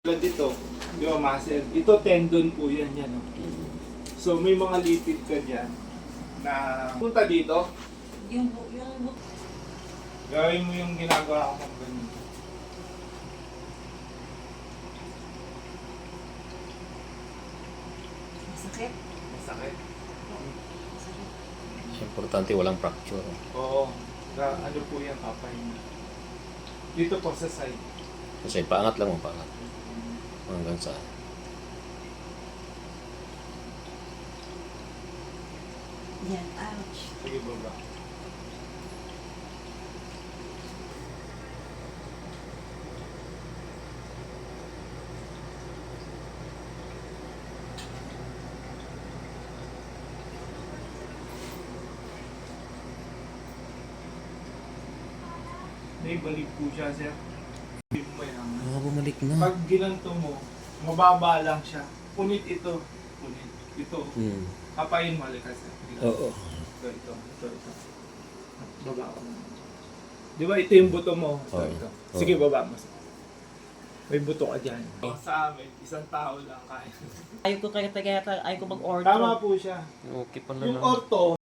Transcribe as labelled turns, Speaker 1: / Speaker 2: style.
Speaker 1: Dito, di ba muscle? Ito tendon po yan, yan. Oh. So may mga lipid ka dyan na punta dito.
Speaker 2: Yung
Speaker 1: Gawin mo yung ginagawa ko ng ganyan.
Speaker 2: masakit.
Speaker 1: Masakit.
Speaker 3: Importante walang fracture.
Speaker 1: Oo. Ano po yan, papahinga. Dito po sa side.
Speaker 3: Kasi paangat lang mo, paangat. Hanggang sa
Speaker 2: Yan, ouch.
Speaker 1: Sige, baba. Naibalik po siya, sir. Hindi mo yan.
Speaker 3: bumalik na.
Speaker 1: Pag ginanto mo, mababa lang siya. Punit ito. Punit. Ito. Kapain mo, likas.
Speaker 3: Oo.
Speaker 1: Ito. Baba ko. Di ba ito yung buto mo? Ito. Sige, baba mo. May buto ka dyan. Sa amin, isang tao lang kaya.
Speaker 2: Ayaw ko mag-order.
Speaker 1: Tama po siya.
Speaker 3: Okay pala
Speaker 1: Yung orto,